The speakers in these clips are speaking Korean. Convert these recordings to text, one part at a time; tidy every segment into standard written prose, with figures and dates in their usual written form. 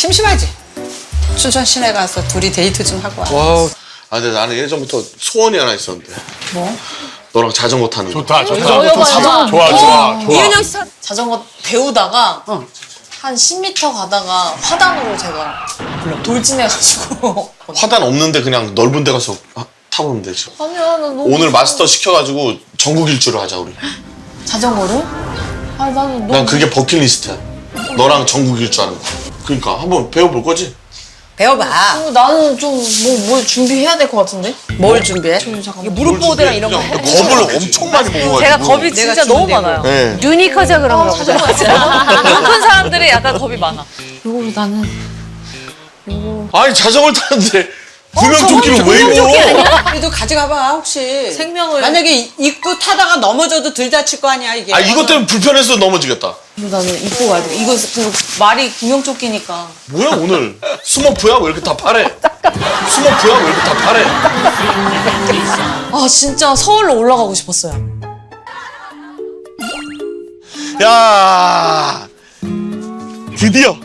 심심하지? 춘천 시내 가서 둘이 데이트 좀 하고 와. 와. 아, 근데 나는 예전부터 소원이 하나 있었는데. 뭐? 너랑 자전거 타는 거. 좋다, 좋다. 자전거. 좋아. 이은영 씨 자전거 배우다가 한 10m 가다가 화단으로 제가 돌진해가지고. 화단 없는데 그냥 넓은 데 가서 타보면 되지. 아니야, 나 너무. 오늘 마스터 시켜가지고 전국 일주를 하자, 우리. 자전거를? 아니, 나는 너무. 난 그게 버킷리스트야. 너랑 전국 일주 하는 거. 그러니까 한번 배워볼 거지? 배워봐. 나는 좀 뭘 준비해야 될 것 같은데? 뭘 준비해? 잠깐만. 무릎 보호대랑 이런 거 해. 겁을 엄청 많이 먹어가지고. 제가 겁이 진짜 너무 주면 많아요. 네. 눈이 커져 그런가 보다. 눈큰 사람들이 약간 겁이 많아. 요거 나는. 아니 자전거를 타는데 구명조끼를 왜 입어? 그래도 가져가봐 혹시. 생명을. 만약에 입고 타다가 넘어져도 들 다칠 거 아니야 이게. 아 이것 때문에 불편해서 넘어지겠다. 나는 입고 가야 돼. 이거 그 말이 구명조끼니까. 뭐야 오늘 스머프야? 왜 이렇게 다 파래? 스머프야? 왜 이렇게 다 파래? 아, 진짜 서울로 올라가고 싶었어요. 야 드디어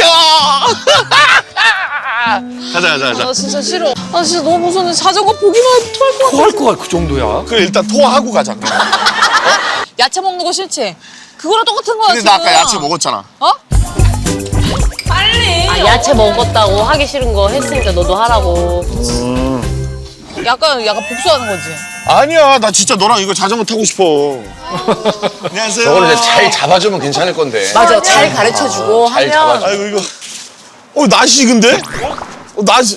가자 나 진짜 싫어. 아, 진짜 너무 무서운데 자전거 보기만 해도 토할 것 같아. 토할 거야, 그 정도야. 그래 일단 토하고 가자. 야채 먹는 거 싫지? 그거랑 똑같은 거야, 근데 지금. 나 아까 야채 먹었잖아. 어? 빨리. 아, 야채 먹었다고 하기 싫은 거 했으니까 너도 하라고. 약간 복수하는 거지. 아니야 나 진짜 너랑 이거 자전거 타고 싶어. 안녕하세요. 저거를 이제 잘 잡아주면 괜찮을 건데. 맞아, 잘 가르쳐주고 잘 하면. 잡아줘. 아이고 이거 낯이 근데? 낯이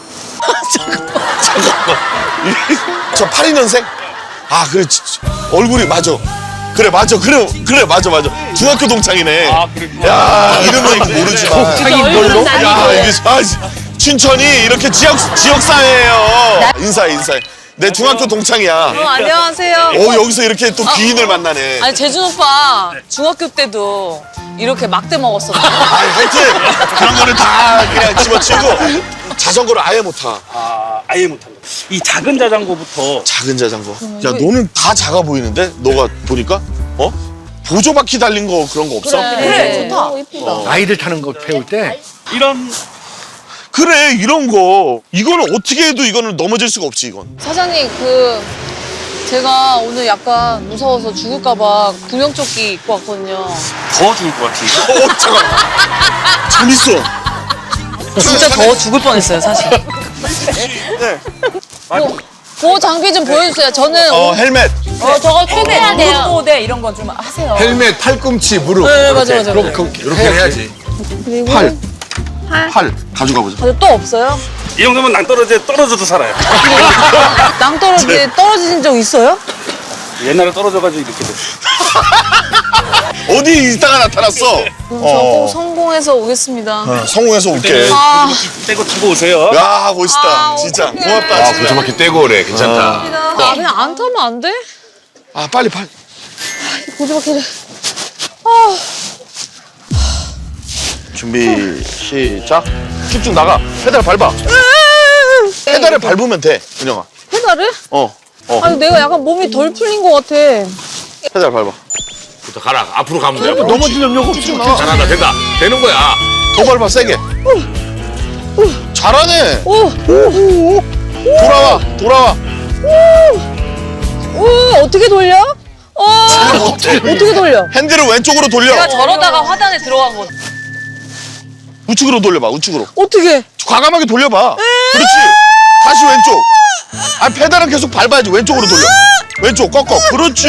잠깐만 저 82년생? 아 그래 얼굴이 맞아 그래 맞아 중학교 동창이네. 아, 그랬구나. 야 이름은 모르지만 얼굴은 야 아니고. 이게 춘천이 이렇게 지역사회예요. 인사해 내 중학교 동창이야. 안녕하세요. 여기서 이렇게 또 귀인을 만나네. 아니, 재준 오빠 중학교 때도 이렇게 막대 먹었어. 하여튼 그런 거를 다 그냥 집어치우고 자전거를 아예 못 타. 아예 못한다. 이 작은 자전거부터 작은 자전거. 야 너는 다 작아 보이는데? 너가 보니까? 보조 바퀴 달린 거 그런 거 없어? 그래, 좋다. 이쁘다. 아이들 타는 거 배울 때 이런 그래 이런 거. 이거는 어떻게 해도 이거는 넘어질 수가 없지 이건. 사장님, 제가 오늘 약간 무서워서 죽을까봐 구명조끼 입고 왔거든요. 더 죽을 것 같아. 잠깐. 재밌어. 진짜 더 죽을 뻔했어요, 사실. 네. 그 장비 좀 보여주세요. 저는 헬멧. 저거 꼭 해야 돼요. 무릎 보호대 이런 거 좀 하세요. 헬멧, 팔꿈치, 무릎. 네, 맞아. 이렇게 해야지. 팔 가져가 보자. 또 없어요? 이 정도면 떨어져도 살아요. 낭떠러지에 떨어진 적 있어요? 옛날에 떨어져가지고 이렇게 됐어. 어디 있다가 나타났어? 저 꼭 성공해서 오겠습니다. 성공해서 올게. 떼고 타고 오세요. 야 멋있다. 진짜 어떡해. 고맙다. 진짜. 보조바퀴 떼고 오래. 괜찮다. 아, 그냥 안 타면 안 돼? 빨리. 보조바퀴를. 준비 시작. 쭉쭉 나가. 페달 밟아. 페달을 밟으면 돼, 은영아. 페달을? 어. 아니, 내가 약간 몸이 덜 풀린 것 같아. 페달 밟아. 부터 가라. 앞으로 가면 돼. 넘어지려고 쭉쭉 나가. 잘한다. 된다. 되는 거야. 더 밟아 세게. 잘하네. 오, 돌아와. 오, 어떻게 돌려? 어떻게 돌려? 핸들을 왼쪽으로 돌려. 내가 저러다가 화단에 들어간 거. 우측으로 돌려봐. 우측으로. 어떻게? 과감하게 돌려봐. 그렇지. 다시 왼쪽. 페달은 계속 밟아야지. 왼쪽으로 돌려. 왼쪽 꺾어. 그렇지.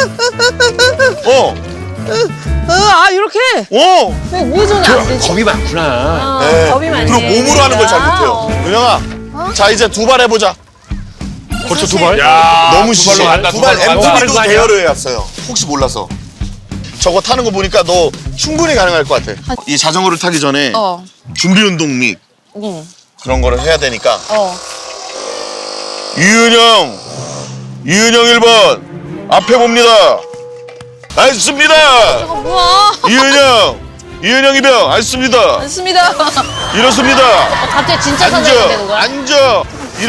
이렇게? 왜 우회전이 안 되지? 겁이 많구나. 네. 겁이 많네. 그리고 몸으로 하는 걸 잘 못해요. 은영아. 자 이제 두 발 해보자. 벌써 두 발? 너무 두 발로 심해. 간다. 두 발 두 발로 MTB도 간다. 대여를 해왔어요. 혹시 몰라서. 저거 타는 거 보니까 너 충분히 가능할 것 같아. 이 자전거를 타기 전에 준비 운동 및 그런 거를 해야 되니까. 이은영 1번 앞에 봅니다. 알겠습니다. 뭐야? 이은영 2병 알겠습니다. 맞습니다. 이렇습니다. 갑자기 진짜 사장이 되는 거야? 앉아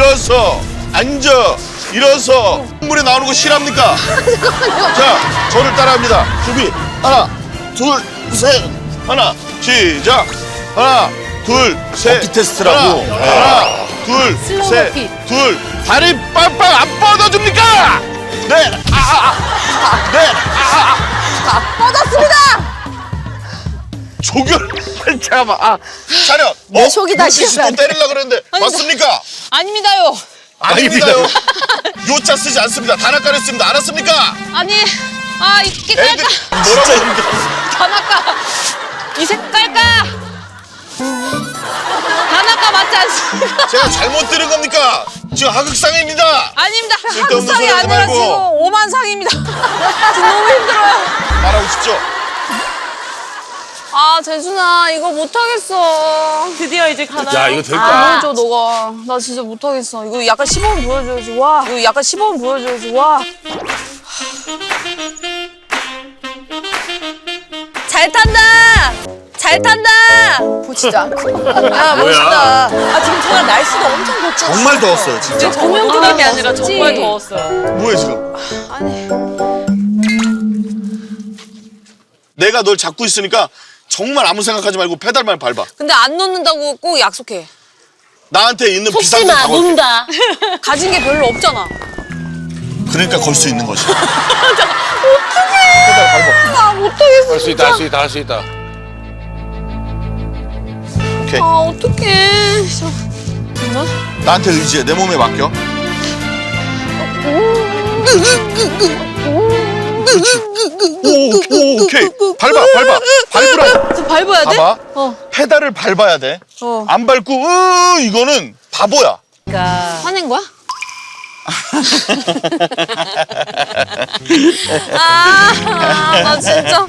일어서 물에 나오는 거 싫합니까? 자 저를 따라합니다. 준비 하나 둘 셋 하나 시작 하나 둘, 셋. 버피 테스트라고. 하나, 둘, 슬로우 셋, 버피. 둘. 다리 빵빵 안 뻗어줍니까? 네. 네. 뻗었습니다. 조결. 잠깐만. 차렷. 내 속이 다 눈빛이 시원하네. 또 때리려고 그랬는데 맞습니까? 아닙니다요. 아닙니다요. 요자 쓰지 않습니다. 단아까를 씁니다. 알았습니까? 아니, 이게 애들 깔까? 뭐라고 했는데? 단아까. 이 색깔까? 단아까 맞지 않습니까? 제가 잘못 들은 겁니까? 지금 하극상입니다. 아닙니다. 쓸데없는 학상이 소리 하지 아니라 말고. 지금 오만상입니다. 지금 너무 힘들어요. 말하고 싶죠? 재순아 이거 못하겠어. 드디어 이제 가나요? 야, 이거 될까? 보여줘 너가. 나 진짜 못하겠어. 이거 약간 시범 보여줘야지. 와. 이거 약간 시범 보여줘야지. 와. 잘 탄다. 잘 탄다. 보지도 않고. 야 멋있다. 지금 정말 날씨가 엄청 덥죠? 정말 더웠어요, 진짜. 조명드림이 아니라 정말 더웠어요. 뭐해 지금? 내가 널 잡고 있으니까 정말 아무 생각하지 말고 페달만 밟아. 근데 안 놓는다고 꼭 약속해. 나한테 있는 비상금 다 걸게. 논다. 가진 게 별로 없잖아. 그러니까 걸 수 있는 거지. 못하겠어. 할 수 있다, 할 수 있다, 할 수 있다. 오케이. 어떡해. 나한테 의지해. 내 몸에 맡겨. 오, 오케이. 밟아. 밟으라. 저 밟아야 돼? 봐봐. 페달을 밟아야 돼. 안 밟고, 이거는 바보야. 화낸 거야? 나 진짜.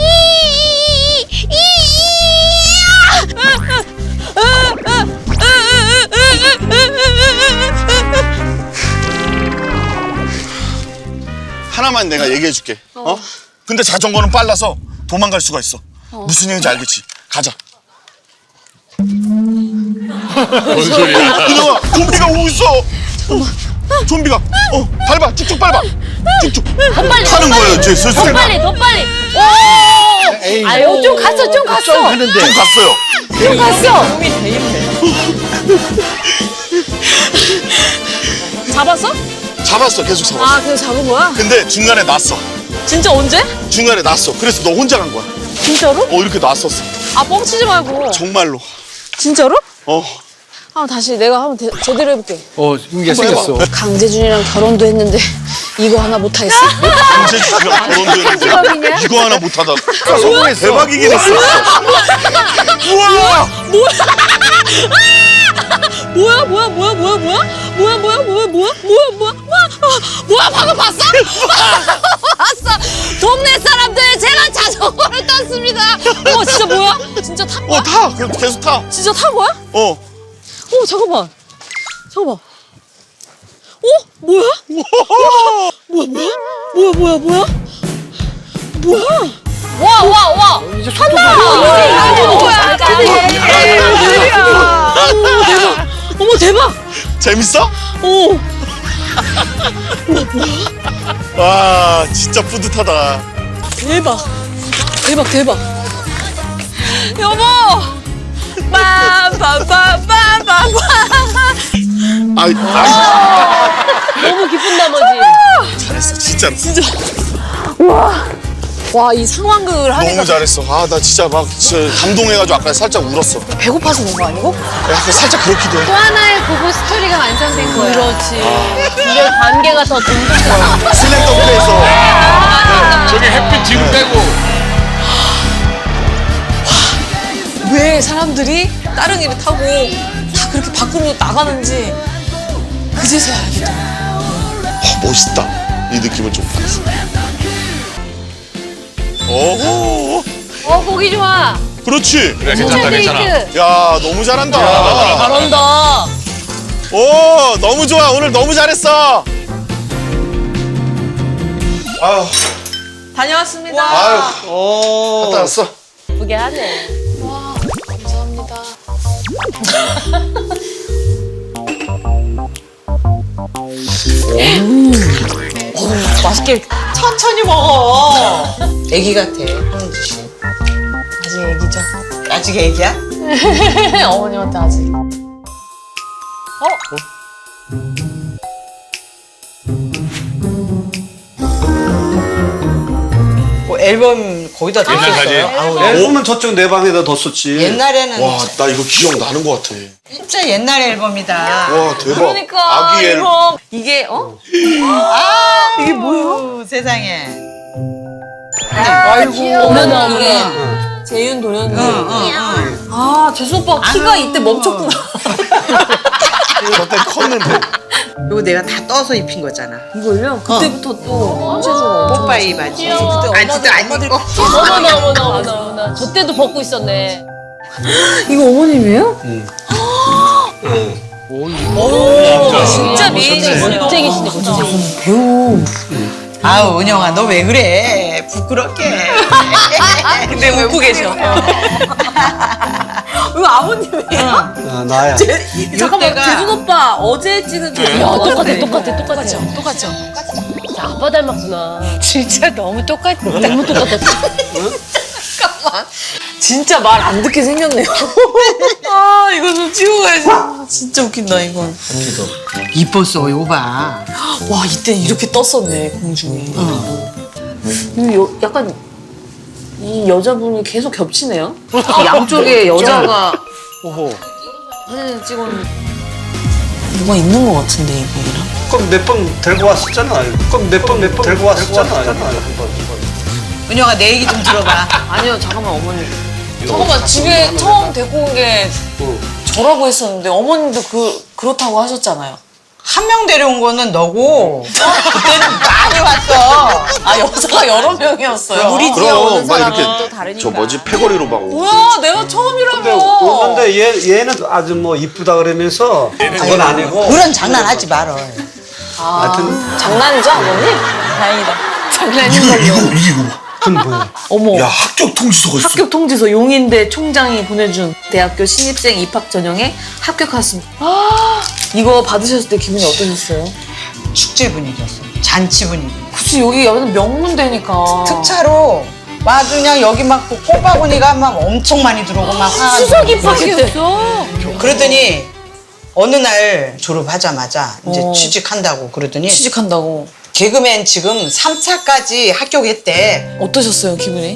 하나만 내가 얘기해 줄게. 근데 자전거는 빨라서 도망갈 수가 있어. 무슨 얘기인지 알겠지? 가자. 뭔 소리야? 그녀아, 좀비가 오고 있어. 좀비가. 밟아. 쭉쭉 밟아. 쭉쭉. 타는 거예요, 이제 슬슬. 더 빨리. 에이, 아유 좀 갔어. 좀 하는데. 좀 갔어요. 좀 갔어. 몸이 대인데. 잡았어? 잡았어. 계속 잡았어. 그냥 잡은 거야? 근데 중간에 놨어. 진짜 언제? 중간에 놨어. 그래서 너 혼자 간 거야. 진짜로? 이렇게 놨었어. 뻥치지 말고. 정말로. 진짜로? 어. 다시 내가 한번 제대로 해볼게. 이게 생겼어. 강재준이랑 결혼도 했는데 이거 하나 못하겠어? 강재준이랑 결혼도 했는데 이거 하나 못하다. 성공했어. 대박이긴 했어. 우와! 뭐야 방금 봤어? 봤어. 동네 사람들 제가 자전거를 탔습니다. 진짜 뭐야? 진짜 탄 거야? 타. 계속 타. 진짜 탄 거야? 잠깐만. 뭐야? 와. 이제 속도가. 어머 대박. 재밌어? 와, 진짜 뿌듯하다. 대박. 여보. 아이, 너무 기쁜 나머지. 잘했어. 진짜로. 와, 이 상황극을 하니까 너무 잘했어. 나 진짜 감동해가지고 아까 살짝 울었어. 배고파서 그런 거 아니고? 약간 살짝 그렇기도 해. 또 하나의 부부 스토리가 완성된 거야. 그렇지. 근데 관계가 더 돈독해. 슬램덩크에서 저기 햇빛 지금 빼고. 왜 사람들이 따릉이를 타고 다 그렇게 밖으로 나가는지 그제서야 알겠다. 멋있다. 이 느낌을 좀 받았어. 보기 좋아. 그렇지. 그래, 괜찮아. 야, 너무 잘한다. 잘한다. 오, 너무 좋아. 오늘 너무 잘했어. 아유, 다녀왔습니다. 갔다 왔어. 예쁘게 하네. 맛있게 천천히 먹어. 애기 같아, 황은주 씨. 아직 애기죠? 아직 애기야? 어머님한테 아직. 뭐 앨범 거기다 옛날 사진. 앨범은 저쪽 내 방에다 뒀었지. 옛날에는 와, 나 이거 기억나는 것 같아. 진짜 옛날 앨범이다. 와, 대박. 그러니까 아기 앨범. 이거 이게 이게 뭐야? 세상에. 어머나 이게 재윤 도련님. 아 재수 오빠 키가 이때 멈췄구나. 저때 컸는데. 이거 내가 다 떠서 입힌 거잖아. 이걸요? 그때부터 또 현재주가 뽀빠이 바지. 그때 아직도 안 입고. 어머나. 저 때도 벗고 있었네. 이거 어머님이에요? 진짜 미인이시네요. 멋쟁이시네, 멋쟁이. 배우. 아우 은영아 너 왜 그래? 부끄럽게. 근데 웃고 계셔. 이거 아버님이에요? 아, 나야. 잠깐만, 재준 오빠 어제 찍은 저 똑같죠? 자, 아빠 닮았구나. 진짜 너무 똑같아. 너무 똑같다. 잠깐만. 진짜 말 안 듣게 생겼네요. 아, 이거 좀 치고 가야지. 진짜 웃긴다, 이건. 이뻤어 이거 봐. 와, 이때 이렇게 떴었네, 공중에. 이거 약간 이 여자분이 계속 겹치네요. 양쪽에 여자가 사진을 찍었는데 뭐가 있는 것 같은데 이분이랑. 그럼 몇 번 데리고 왔었잖아. 그럼 몇 번 데리고 왔었잖아. 은영아 내 얘기 좀 들어봐. 아니요, 잠깐만 어머니. 잠깐만 집에 처음 데리고 온 게 저라고 했었는데 어머님도 그렇다고 하셨잖아요. 한 명 데려온 거는 너고 그때는 많이 왔어. 아 여자가 여러 명이었어요. 우리 집에 그럼 오는 막 사람은 이렇게 또 다르니까. 저 뭐지 패거리로 막 오고. 뭐야 내가 처음이라며. 오는데 얘는 아주 뭐 이쁘다 그러면서 그건 아니고. 그런 장난하지 말어. 하여튼 장난이죠 아버님? 다행이다. 장난인 걸로. 이거 봐. 그건 뭐야. 어머. 야, 합격 통지서가 있어. 합격 통지서 용인대 총장이 보내준 대학교 신입생 입학 전형에 합격했습니다. 이거 받으셨을 때 기분이 어떠셨어요? 축제 분위기였어. 잔치 분위기. 그치 여기 여기는 명문대니까. 특차로 막 그냥 여기 막 꽃바구니가 막 엄청 많이 들어오고 막 추석 입학이었어. 그러더니 어느 날 졸업하자마자 이제 취직한다고 그러더니 취직한다고. 개그맨 지금 3차까지 합격했대. 어떠셨어요 기분이?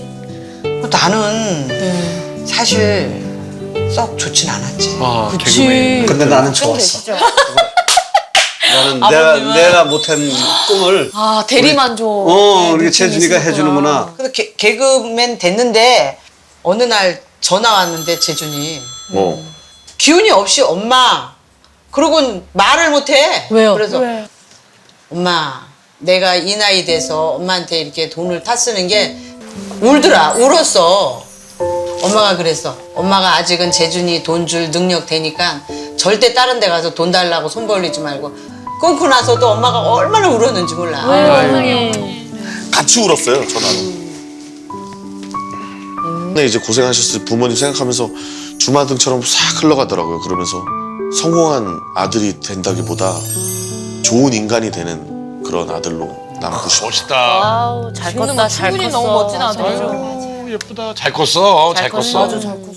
나는 사실 썩 좋진 않았지. 아, 그치. 근데 나는 좋았어. 나는 아버님은? 내가 못한 꿈을 아 대리만족. 우리 재준이가 해주는구나. 그래서 개그맨 됐는데 어느 날 전화 왔는데 재준이 뭐. 기운이 없이 엄마 그러고 말을 못해. 왜요? 그래서 엄마 내가 이 나이 돼서 엄마한테 이렇게 돈을 타 쓰는 게 울었어. 엄마가 그랬어. 엄마가 아직은 재준이 돈 줄 능력 되니까 절대 다른 데 가서 돈 달라고 손 벌리지 말고. 끊고 나서도 엄마가 얼마나 울었는지 몰라. 같이 울었어요, 전화로. 근데 이제 고생하셨을 부모님 생각하면서 주마등처럼 싹 흘러가더라고요. 그러면서 성공한 아들이 된다기보다 좋은 인간이 되는 그런 아들로 남고 싶어. 멋있다. 아우 잘 컸다 잘 컸어. 너무 멋진 아들이죠. 아유, 예쁘다. 잘 컸어. 잘 컸어. 아주 잘 컸어.